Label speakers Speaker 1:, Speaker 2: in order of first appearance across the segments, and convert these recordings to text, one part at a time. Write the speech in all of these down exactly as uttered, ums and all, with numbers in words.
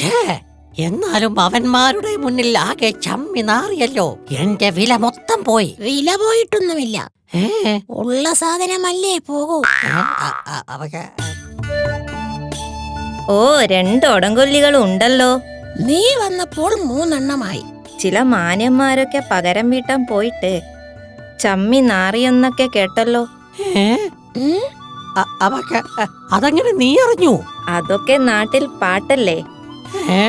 Speaker 1: ഛേ, എന്നാലും അവന്മാരുടെ മുന്നിൽ ആകെ ചമ്മി നാറിയല്ലോ. എന്റെ വില മൊത്തം പോയി.
Speaker 2: വില പോയിട്ടൊന്നുമില്ല.
Speaker 1: ഏ
Speaker 2: ഉള്ള സാധനമല്ലേ പോകൂ.
Speaker 1: അവക്ക്
Speaker 3: ഓ, രണ്ട് ഒടങ്കൊല്ലികളും ഉണ്ടല്ലോ.
Speaker 2: നീ വന്നപ്പോൾ മൂന്നെണ്ണമായി.
Speaker 3: ചില മാന്യന്മാരൊക്കെ പകരം വീട്ടാൻ പോയിട്ട് ചമ്മി നാറിയെന്നൊക്കെ കേട്ടല്ലോ.
Speaker 1: ഏ അവക്ക് അതെങ്ങനെ നീ അറിഞ്ഞു?
Speaker 3: അതൊക്കെ നാട്ടിൽ പാട്ടല്ലേ.
Speaker 1: ഏ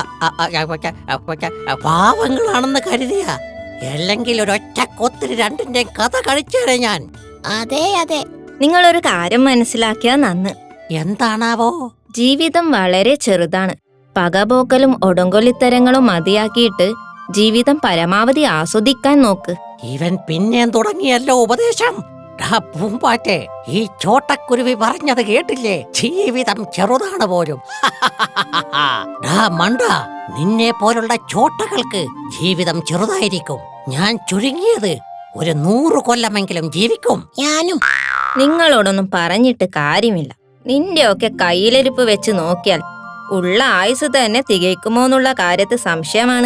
Speaker 1: പാവങ്ങളാണെന്ന് കരുതിയ, അല്ലെങ്കിൽ ഒരൊറ്റ കൊത്തിന് രണ്ടിന്റെ കഥ കഴിച്ചേരെ ഞാൻ.
Speaker 2: അതെ അതെ,
Speaker 3: നിങ്ങളൊരു കാര്യം മനസ്സിലാക്കിയാ നന്ന്.
Speaker 1: എന്താണാവോ?
Speaker 3: ജീവിതം വളരെ ചെറുതാണ്. പകപോക്കലും ഒടങ്കൊല്ലിത്തരങ്ങളും മതിയാക്കിയിട്ട് ജീവിതം പരമാവധി ആസ്വദിക്കാൻ നോക്ക്.
Speaker 1: ഇവൻ പിന്നെയും തുടങ്ങിയല്ലോ ഉപദേശം. പൂമ്പാറ്റെ, ഈ ചോട്ടക്കുരുവി പറഞ്ഞത് കേട്ടില്ലേ? ജീവിതം ചെറുതാണ് പോലും. മണ്ട, നിന്നെ പോലുള്ള ചോട്ടകൾക്ക് ജീവിതം ചെറുതായിരിക്കും. ഞാൻ ചുരുങ്ങിയത് ഒരു നൂറ് കൊല്ലമെങ്കിലും ജീവിക്കും.
Speaker 2: ഞാനും.
Speaker 3: നിങ്ങളോടൊന്നും പറഞ്ഞിട്ട് കാര്യമില്ല. നിന്റെയൊക്കെ കയ്യിലിരിപ്പ് വെച്ച് നോക്കിയാൽ ഉള്ള ആയുസ് തന്നെ തികയ്ക്കുമോന്നുള്ള കാര്യത്തിൽ സംശയമാണ്.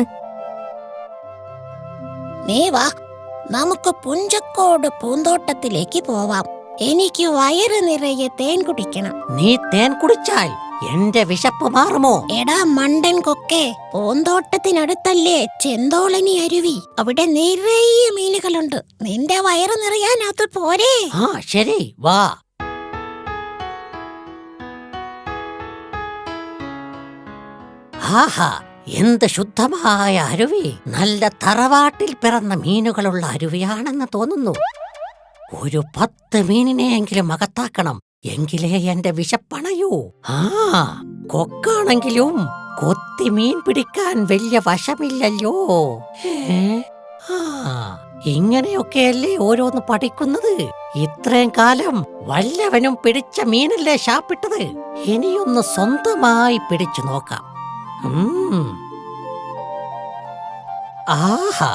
Speaker 2: നീ വാ, നമുക്ക് പുഞ്ചക്കോട് പൂന്തോട്ടത്തിലേക്ക് പോവാം. എനിക്ക് വയറ് നിറയെ തേൻ കുടിക്കണം.
Speaker 1: നീ തേൻ കുടിച്ചാൽ എന്റെ വിശപ്പ് മാറുമോ?
Speaker 2: എടാ മണ്ടൻ കൊക്കെ, പൂന്തോട്ടത്തിനടുത്തല്ലേ ചെന്തോളനി അരുവി. അവിടെ നിറയെ മീനുകളുണ്ട്. നിന്റെ വയറ് നിറയാൻ അത് പോരെ?
Speaker 1: ആ ശരി, വാ. ആഹാ, എന്ത് ശുദ്ധമായ അരുവി! നല്ല തറവാട്ടിൽ പിറന്ന മീനുകളുള്ള അരുവിയാണെന്ന് തോന്നുന്നു. ഒരു പത്ത് മീനിനെയെങ്കിലും അകത്താക്കണം, എങ്കിലേ എന്റെ വിശപ്പണയൂ. ആ കൊക്കാണെങ്കിലും കൊത്തി മീൻ പിടിക്കാൻ വലിയ വശമില്ലല്ലോ. ഏ ആ ഇങ്ങനെയൊക്കെയല്ലേ ഓരോന്ന് പഠിക്കുന്നത്. ഇത്രയും കാലം വല്ലവനും പിടിച്ച മീനല്ലേ ശാപ്പിട്ടത്. ഇനിയൊന്ന് സ്വന്തമായി പിടിച്ചു നോക്കാം. ആഹാ,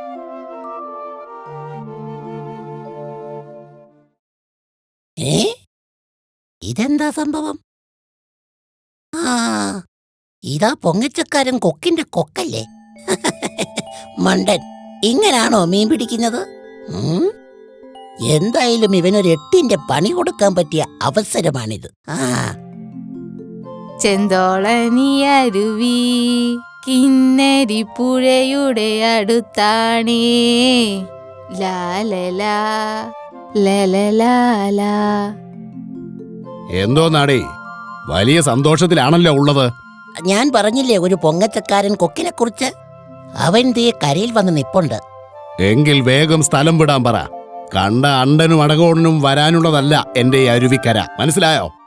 Speaker 2: ഏ ഇതെന്താ സംഭവം? ആ ഇതാ പൊങ്ങച്ചക്കാരൻ കൊക്കിന്റെ കൊക്കല്ലേ? മണ്ടൻ, ഇങ്ങനാണോ മീൻ പിടിക്കുന്നത്? എന്തായാലും ഇവനൊരു എട്ടിന്റെ പണി കൊടുക്കാൻ പറ്റിയ അവസരമാണിത്. ആ
Speaker 4: ചെന്തോളനി അരുവി കിന്നരി പുഴയുടെ അടുത്താണേ. ലാലലാ ലലലാലാ.
Speaker 5: എന്തോ നാടേ, വലിയ സന്തോഷത്തിലാണല്ലോ ഉള്ളത്.
Speaker 2: ഞാൻ പറഞ്ഞില്ലേ ഒരു പൊങ്ങച്ചക്കാരൻ കൊക്കിനെ കുറിച്ച്. അവൻ ദേ കരയിൽ വന്ന് നിപ്പുണ്ട്.
Speaker 5: എങ്കിൽ വേഗം സ്ഥലം വിടാൻ പറ. കണ്ട അണ്ടനും അടകോണനും വരാനുള്ളതല്ല എന്റെ ഈ അരുവിക്കര, മനസ്സിലായോ?